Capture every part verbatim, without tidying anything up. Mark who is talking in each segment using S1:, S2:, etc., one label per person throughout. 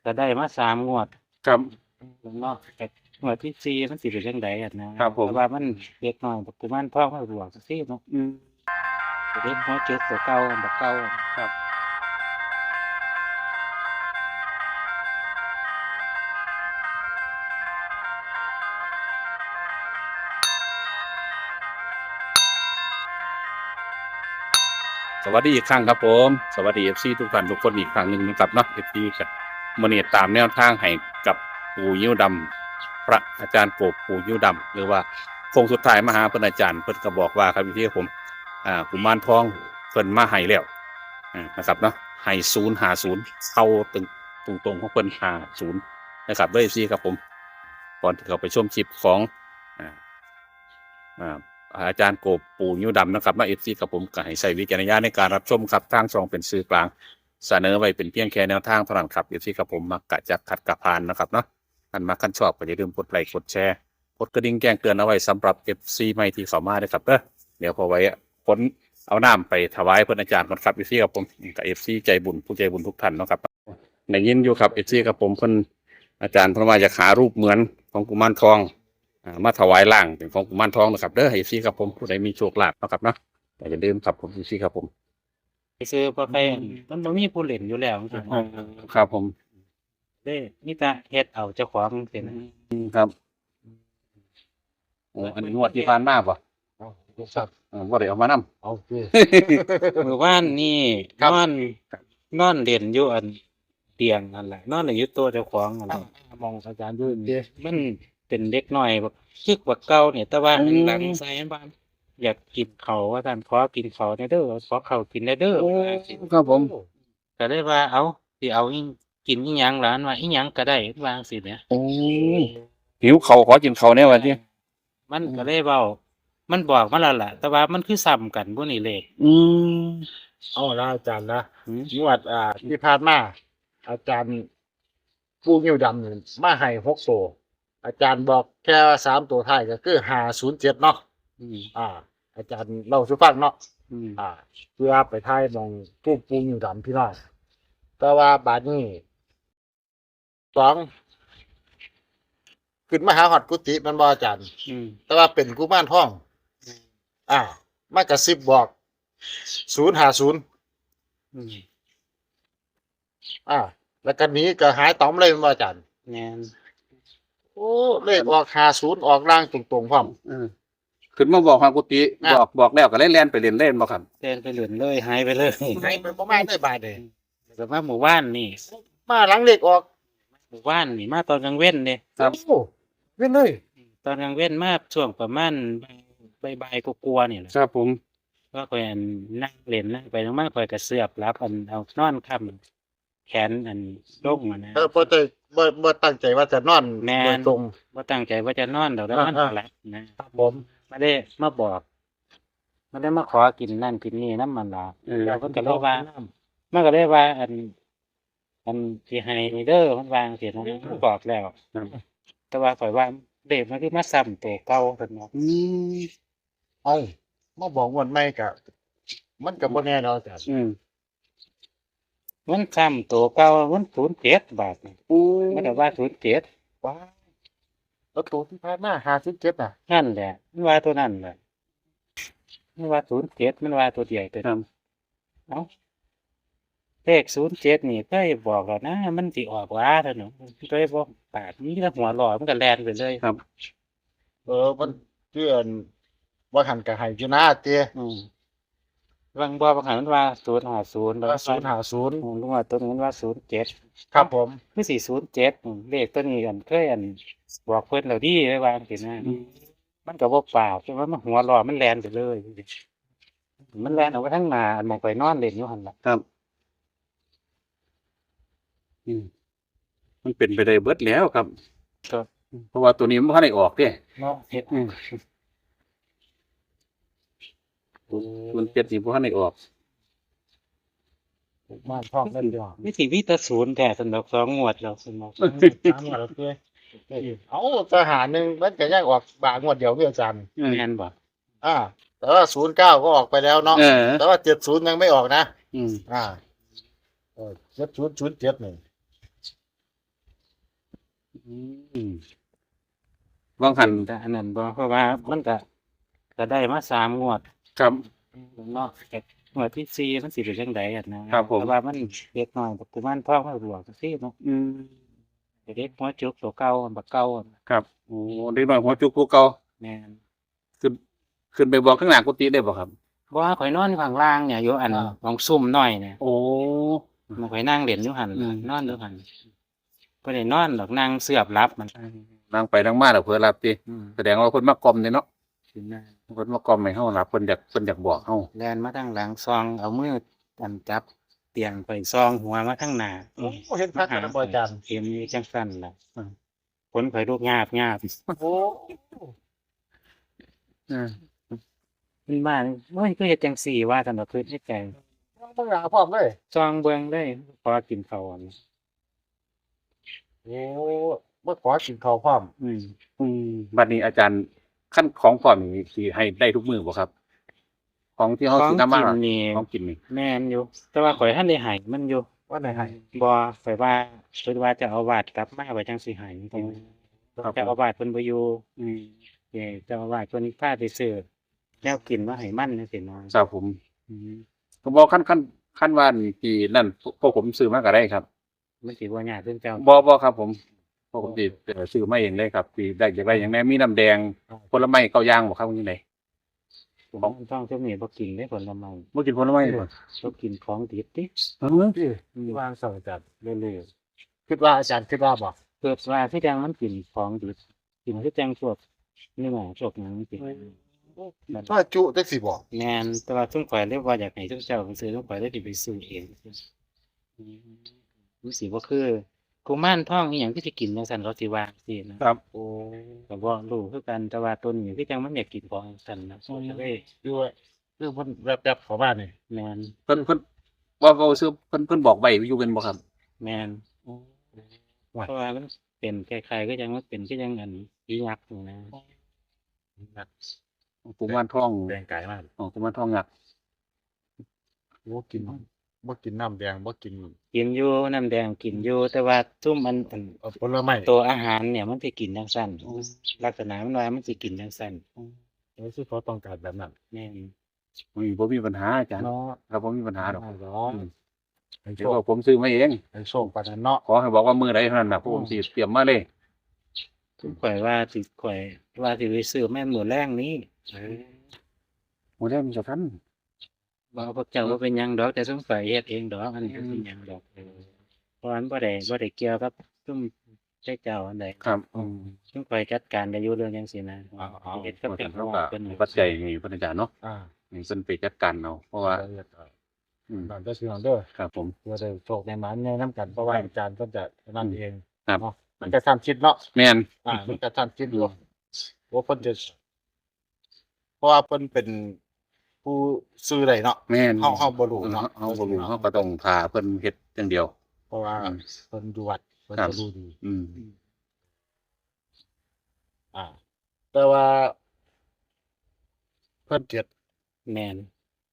S1: ก็ได้มาสามงวด
S2: ครับ
S1: เนาะแต่งวดที่สี่มันสิเป็นจังไดอะนะครับ
S2: ผม
S1: แต่ว่ามันเล็กน้อยบักกุมารทองมาบวกจังซี่เนาะ
S2: อืม
S1: ก็เด็กหัวจุกตัวเก่าอันบักเก่าอะ
S2: ครับ สวัสดีอีกครั้งครับผมสวัสดี เอฟ ซี ทุกท่านทุกคนอีกครั้งหนึ่งนะครับเนาะ เอฟ ซี ครับมื้อนี้ตามแนวทางให้กับปู่ยิ้วดำพระอาจารย์โกบปู่ยิ้วดำหรือว่าโค้งสุดท้ายมาหาเพิ่นอาจารย์เพิ่นก็บอกว่าครับพี่ผมอ่ากุมารทองเพิ่นมาให้แล้วอ่านะครับเนาะให้ศูนย์ห้าศูนย์เข้าตึงตรงๆของเพิ่นห้าศูนย์นะครับเด้อ เอฟ ซี ครับผมก่อนที่เราไปชมคลิปของอ่าอ่า อาจารย์โกบปู่ยิ้วดำนะครับมาเอฟซีกับผมก็ให้ใช้วิจารณญาณในการรับชมครับทางช่องเป็นสื่อกลางเสนอไว้เป็นเพียงแค่แนวทางเท่านั้นครับเอฟซีกับผมมักกะจักขัดกะพานนะครับเนาะอันมาคันชอบก็อย่าลืมกดไลค์กดแชร์กดกระดิ่งแจ้งเตือนเอาไว้สำหรับ เอฟ ซี ใหม่ที่เข้ามาด้วยครับเด้อเดี๋ยวพอไว้ผลเอาน้ำไปถวายเพื่อนอาจารย์ก่อนครับเอฟซีกับผมกับเอฟซีใจบุญผู้ใจบุญทุกท่านเนาะครับในยินอยู่ครับเอฟซีกับผมเพิ่นอาจารย์เพิ่นว่าจะหารูปเหมือนของกุมารทองมาถวายล่างเป็นของกุมารทองนะครับเด้อให้ซีครับผมผู้ใดมีโชคลาภนะครับเนาะแต่อย่าลืมครับผมซีครับผม
S1: ไปซื้อบ่ใครมันบ่มีผู้เล่นอยู่แล้วจังซี่
S2: ครับผม
S1: เด้มีแต่เฮ็ดเอาเจ้าของจังซี่นะครับ
S2: โอ้อันนี้งวดที่ผ่านมาป่ะ
S3: เอาครับ
S2: อ่าบ่ได้เอามานำ
S3: เอาสิ
S1: มื้อวานนี่นอนนอนเล่นอยู่อันเตียงนั่นแหละนอนเล่นอยู่ตัวเจ้าของนั่นแหละ
S3: มองอาจารย์ด้วยดิ
S1: มันเป็นเด็กน้อยบักคึกบักเก่าเนี่ยแต่ว่าหันหลังใส่อันบ้านอยากกินข้าวว่าท่านขอกินข้าวแหน่เด้อขอข้าวกินแหน่เด้อว่าสิ
S2: ครับผม
S1: ก็เลยว่าเอาสิเอาอิกินอีหยังหลานว่าอีหยังก็ได้ว่าจังซี่แหม
S2: โอ้หิวเขาวขอกินเขาวแน่วันที่
S1: มันก็เลยเว้ามันบอกมาแล้วล่ะ แต่ว่ามันคือซ้ำกันบ่นี่เลข
S2: อืม
S3: เอาละอาจารย์นะ
S1: หือ
S3: งวดอ่าที่ผ่านมาอาจารย์ผู้งิ้วดำนี่มาให้หกตัวอาจารย์บอกแค่สามตัวท้ายก็คือห้าศูนย์เจ็ดเนาะ
S1: อืม
S3: อ่า อาจารย์เล่าสู่ฟังเนาะ
S1: อืม
S3: อ่า เพื่อไปท้ายมองผู้ปูงิ้วดำพี่น้องแต่ว่าบาดนี้สองขึ้นมาหาหอดกุฏิมันบ่อาจารย์
S1: อืม
S3: แต่ว่าเป็นกุมารทอง อ่ามากระซิบบอกศูนย์หาศูนย์
S1: อืม
S3: อ่า แล้วกันนี้ก็หายต๋อมเลยแม่นบ่อาจารย์
S1: แม่น
S3: โอ้เลขออกหาศูนย์ออกล่างตรงๆพร้อม
S2: เออขึ้นมาบอกทางกุฏิ
S3: อ่ะ
S2: บอกบอกแล้วก็เล่นเล่นไปเล่นเล่นบ่ครับ
S1: เดินไปเหลือนเลยหายไปเลย
S3: ให้ไปประมาณได้บาทเลย
S1: แต่ว่าหมู่บ้านนี่
S3: มาหลังเลขออก
S1: หมู่บ้านนี่มาตอนกลางเว้นเด้
S2: ครับ
S3: โอ้เว้นเลย
S1: ตอนกลางเว้นมาช่วงประมาณบ่ายๆกลัวาๆนี่แหละ
S2: ครับผม
S1: ก็ค่อยอันนั่งเล่นนั่งไปนั่งมาค่อยกระเสือบรับอันเอานอนค้ำแขนอันลงอะนะ
S3: เออบ่ได้บ่บ่ตั้งใจว่าจะนอน
S1: แม่น
S3: โดยตรง
S1: ว่าตั้งใจว่าจะนอนดอกแล้วมัน
S3: อ่าๆ
S1: หลับนะครับ
S3: ผม
S1: ไม่ได้มาบอกไม่ได้มาขอกินนั่นกินนี่น้ำมันละ
S2: เออ
S1: เราก็ก็เลยว่ามันก็เลยว่า อัน อันที่ให้เด้อมันวางเสียนะมันบอกแล้ว
S2: ครับ
S1: แต่ว่าข่อยว่าเด็กมันคือมาซ้ำตัวเก่าเพิ่นเนาะ
S2: อืม
S3: เอามาบอกวันใหม่ก็มันก็บ่แน่เนาะอาจารย์
S2: อืม
S1: มันซ้ำตัวเก่ามันศูนย์เจ็ดบาทนี่
S2: โอ้
S1: มันก็ว่าศูนย์เจ็ด
S3: ว้ายแล้วตัวที่ผ่านมาห้าสิบเจ็ดน่ะ
S1: นั่นแหละมันว่าตัวนั่นแหละมันว่าศูนย์เจ็ดมันว่าตัวเดียวตัว
S2: ครั
S1: นี้
S2: บ
S1: เอ้าเลขศูนย์เจ็ดนี่เคยบอกแล้วนะ มันสิออกว่าเถอะหนูเคยบอกปากนี้แล้วหัวหล่อมันก็แลนไปเลย
S2: ครับ
S3: เออมันเพื่อนว่าหันก็ให้อยู่นะเตี้ย
S1: อืมบางบ่บางหันมันว่าศูนย์ห้าศูนย์แล้ว
S3: ศูนย์ห้าศูนย์
S1: อืมลุงว่าตัวนี้มันว่าศูนย์เจ็ด
S3: ครับผม
S1: คือสี่ศูนย์เจ็ดเลขตัวนี้กันเคยอันบอกเพิ่นแล้วดีไว้วางสินะมันก็บ่เปล่าใช่ไหมมันหัวหล่อมันแลนไปเลย มันแลนออกไปทางหน้าอันมองไปนอนเล่นอยู่หั่นล่ะ
S2: ครับอืมมันเป็นไปได้เบิดแล้วครับ
S1: ก็
S2: เพราะว่าตัวนี้มันบ่ทันได้ออกเด้
S3: เนาะ
S1: เฮ็ด
S2: อืมมันเจ็ดนี่บ่ทันได้ออก
S3: บ้านท้องนั่นเดียว
S1: วิธีวิตาศูนย์แต่สำหรับสองงวดแล้วสำหรับ
S3: ตามมาแล้วเตี้ยเอาทหารหนึ่งมันก็ยังออกบางวดเดียวเพื่ออาจารย์
S1: แม่นบ่
S3: อ่า แต่ว่าศูนย์เก้าก็ออกไปแล้วเนาะ
S2: เออ
S3: แต่ว่าเจ็ดศูนย์ยังไม่ออกนะ
S2: อืม
S3: อ่าเออเจ็ดศูนย์ศูนย์เจ็ดหนึ่ง
S2: อืมวางหัน
S1: แต่อันนั้นบ่เพราะว่ามันก็ก็ได้มาสามงวด
S2: ครับ
S1: เนาะแต่งวดที่สี่มันสิเป็นจังไดอะนะครับ
S2: ผม
S1: เพราะว่ามันเล็กน้อยกุมารทองมันบวกจังซี่เนาะ
S2: อืม
S1: เด็กหัวจุกตัวเก่าบักเก่า
S2: ครับโอ้เด็กน้อยหัวจุกผู้เก่า
S1: แม่น
S2: ขึ้นขึ้นไปบอกข้างหลังกุฏิได้บ่ครับ
S1: บ่ว่าข่อยนอนอยู่ข้างล่างเนี่ยอยู่อัน
S3: อ่า
S1: ของซุ่มน้อยเนี่ย
S2: โอ้
S1: มันข่อยนั่งเล่นอยู่หั่น
S2: อืม
S1: นอนอยู่หั่นบ่ได้นอนดอกนั่งเสือบหลับมัน
S2: นั่งไปนั่งมาแล้วเพิ่นรับติ
S1: อืม
S2: แสดงว่าเพิ่นมากล่อมนี่เนาะ
S1: สินะ
S2: เพิ่นมากล่อมให้เฮารับเพิ่นอยากเพิ่นอยากบอกเฮา
S1: แล่นมาทางหลังซองเอามืออันจับเตียงไปซองหัวมาทางหน้า
S3: โอ้เห็นพักกันนะบ่อาจารย์
S1: เข็มนี่จังซั่นล่ะผลข่อยลูกยาบยาบ
S3: โอ้
S2: อืม
S1: มันมาโอ้ยก็เฮ็ดจังซี่ว่าซั่นดอกคือในใจ
S3: ต้องหาพร้อมเลย
S1: ซองเบิ่งเลยพอกินข้าวอันนี้
S3: โอ้เมื่อขอกินข้าวพร้อม
S1: อืม
S2: อืมบัดนี้อาจารย์ขั้นของพร้อมนี่สิให้ได้ทุกมื้อบ่ครับ ของที่เฮา
S1: ของ
S2: สินำมา
S1: กินนี่
S2: ของกินนี่
S1: แม่นอยู่ แต่ว่าข่อยทันได้ให้มันอยู่
S3: ว่าไหนให้
S1: บ่ข่อยว่าข่อยว่าจะเอาวาดกลับมาไว้จังสิให้จริง
S2: ครับ
S1: ๆเจ้าอาวาสเพิ่นบ่อยู่
S2: อืม
S1: เอ้เจ้าอาวาสเพิ่นพาไปซื้อแนวกินมาให้มันจังซี่เนาะ
S2: ครับผม
S1: อืม
S2: ก็บอกขั้นขั้นขั้นว่านี่ที่นั่นพวกผมซื้อมาก็ได้ครับ
S1: มันสิบ่ยากเรื่องเจ้า
S2: บ่บ่ครับผมพวกผมสิเอ่อซื้อมาเองเลยครับสิได้อยากได้อย่างแน่มีน้ำแดงผลไม้เก้าอย่างบ่ครับจังได๋
S1: ของต้องช่วงนี้บ่กินได้ผลไม้
S2: บ่กินผลไม้บ่
S1: บ่กินของดิบติ
S2: เออ
S3: พี่
S1: อืม
S3: วางสั่งอาจารย์
S1: เรื่อย
S3: คิดว่าอาจารย์คิดว่าบ่
S1: ๆเกิดว่าคือจังมันกินของดิบกินคือจังพวกเนื้อพวกหยังสิ
S3: ถ้าจุจักสิบ่
S1: แม่นแต่ว่าซุมข่อยเลยว่าอยากให้ซุมเจ้าไปซื้อซุมข่อยเลยสิไปซื้อเองอืมมันสิบ่คือกุมารทองอีหยังที่สิกินจังซั่นเขาสิว่าจังซี่นะครับ
S3: โอ้
S1: ก็บ่รู้คือกันแต่ว่าต้นนี้คือจังมันอยากกินของจังซั่นนะก็เลย
S3: ดูว่าคือเพิ่นแวบๆเข้ามานี่
S1: แม่น
S2: เพิ่นเพิ่นว่าเว้าซื้อเพิ่นเพิ่นบอกไว้อยู่เป็นบ่ครับ
S1: แม่นเพราะว่ามันเป็นคล้ายๆก็ยังมันเป็นก็ยังอันอียักษ์อยู่นะ
S2: กุมารทอง
S3: แดงไก่มาก
S2: อ๋อกุมารทองงัก
S3: บ่กินบ่กินน้ำแดงบ่กิน
S1: กินอยู่น้ำแดงกินอยู่แต่ว่าซุมมันอัน
S3: เอ่อผลไม้
S1: ตัวอาหารเนี่ยมันสิกินจังซั่นลักษณะมันว่ามันสิกินจังซั่น
S3: เออคือเขาต้องการแบบนั้น
S1: แม่น
S2: อุ้ยบ่มีปัญหาอาจารย์
S3: เนาะ
S2: ครับบ่มีปัญหาดอก
S3: เนาะ
S2: อืม
S3: ให้
S2: เดี๋
S3: โช
S2: ยว
S3: ค
S2: ว่าผมซื้อมาเอง
S3: ให้โชคปานนั้นเนาะ
S2: ขอให้บอกว่ามื้อใดเท่านั้นน่ะพวกผมสิเตรียมมาเลย
S1: ซุมข่อยว่าสิข่อยว่าสิไปซื้อแม่นมื้อแรงนี้
S2: โอ้ได้มันจะทัน
S1: บ่พวกเจ้าบ่เป็นหยังดอกแต่ซุมข่อยเฮ็ดเองดอกอันนี้บ่เป็นหยังดอกเพราะมันบ่ได้บ่ได้เกี่ยวกับซุมเจ้าเจ้าอันใด
S2: ครับอืม
S1: ซุมข่อยจัดการได้อยู่เรื่องจังซี่นะ
S3: อ๋อ
S1: เฮ็ด
S2: เพ
S1: กับ
S2: ราะ
S1: เป็
S2: ฉะ
S1: น
S2: นั้น
S1: ข
S2: เขา
S1: อง
S2: ก็
S1: เพิ่น
S2: มีปัจจัยนี่เพิ่นอาจารย์เนาะ
S3: อ่า
S2: ให้เพิ่นไปจัดการเอาเพราะว่า
S3: ละเอียดอ่ะ
S2: อืม
S3: นั่นก็คือเด้อ
S2: ครับผม
S3: เพื่อได้โชคในหมันในน้ำกันเพราะว่าอาจารย์เพิ่นจะนั่นเอง
S2: ครับ
S3: เนาะมันจะทำคิดเนาะ
S2: แม่น
S3: อ่ามันจะทำคิดอยู่ว่าเพิ่นจะเพราะว่าเพิ่นเป็นผู้ซื้อได้เนาะ
S2: แม่น
S3: เฮาเฮาบ่รู้
S2: เฮา
S3: เนาะ
S2: เฮาบ่รู้เฮาก็ต้องพาเพิ่นเฮ็ดอย่างเดียว
S3: เพราะว่า
S2: อืม
S3: เพิ่นอยู่วัดเพิ่น
S2: ครับ
S3: จะรู้ดี
S2: อืม
S3: อ่า แต่ว่า เพิ่นเจ็ด
S1: แม่น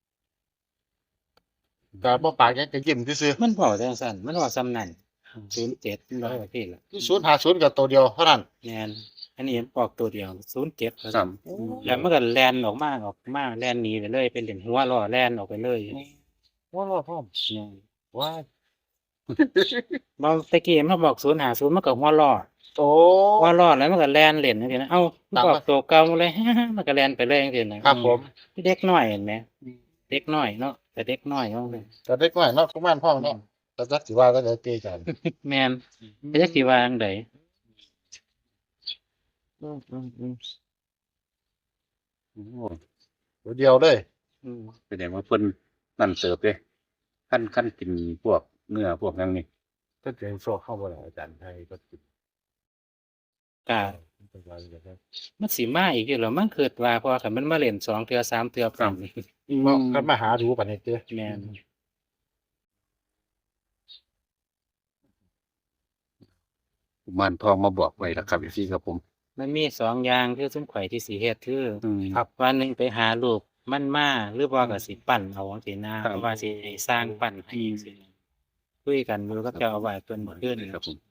S3: ก็บ่ปากยังจะยิ้มซื่อ
S1: มันเว้าจังซั่นมันเว้าซ้ำนั่นศูนย์เจ็ดมันเว้าว่าพี่ล่ะ
S3: ๆศูนย์ห้าศูนย์ก็ตัวเดียวเท่านั้น
S1: แม่นอันนี้ออกตัวเดียวศูนย์เจ็ด
S2: ครับ
S1: แล้วมันก็แล่นออกมาออกมาแล่นหนีไปเลยเป็นเหรียญหัวล้อแล่นออกไปเลย
S3: ว่ารอพร้อม
S1: เนี่ย
S3: ว่า
S1: บางตะกี้มันบอกศูนย์หาศูนย์มันก็หัวล้อ
S3: โอ้
S1: หัวล้อแล้วมันก็แล่นเล่นจังซี่นะเอ้ามัน
S3: ตาม
S1: บอ
S3: มา
S1: กตัวเก่าเลย มันก็แล่นไปเลยจังซี่นะครับ
S3: ผม
S1: เด็กน้อยเห็นไหมเด็กน้อยเนาะแต่เด็กน้อยเนาะ
S3: แต่เด็กน้อยเนาะกุมารพ่องเนาะแต่จักสิว่าก็จะเตะกัน
S1: แม่นไปจักสิว่าจังได
S3: อืมอืมอืม
S2: โอ้
S3: ตัวเดียวเลย
S1: อืม
S2: แสดงว่าเพิ่นนั่นเสิร์ฟเด้คั่นคั่นกินพวกเนื้อพวกหยังนี่
S3: ถ้าเจอโชคเข้าบ่ล่ะอาจารย์ไทยก็กิน
S1: ก็
S3: เป็นว่าอย่างนั้น
S1: มันสิมาอีกอยู่แล้วมันคิดว่าเพราะว่าคันมันมาเล่นสองเทื่อสามเทื่อพร้อมนี่
S3: เนาะก็มาหาดูปานนี้เด้อ
S1: แม่น
S2: กุมารทองมาบอกไว้แล้วครับพี่ครับผม
S1: มันมีสองอย่างคือซุมข่อยที่สิเฮ็ดคือ
S2: อืม
S3: ครับ
S1: วันหนึ่งไปหารูปมันมาหรือว่าก็สิปั้นเอาจังซี่นะครับ เพราะว่าสิให้สร้างปั้นให้จังซี่นะคุยกันอยู่กับเจ้าอาวาสเพิ่นเมื่อคืนนี่
S2: ครับผม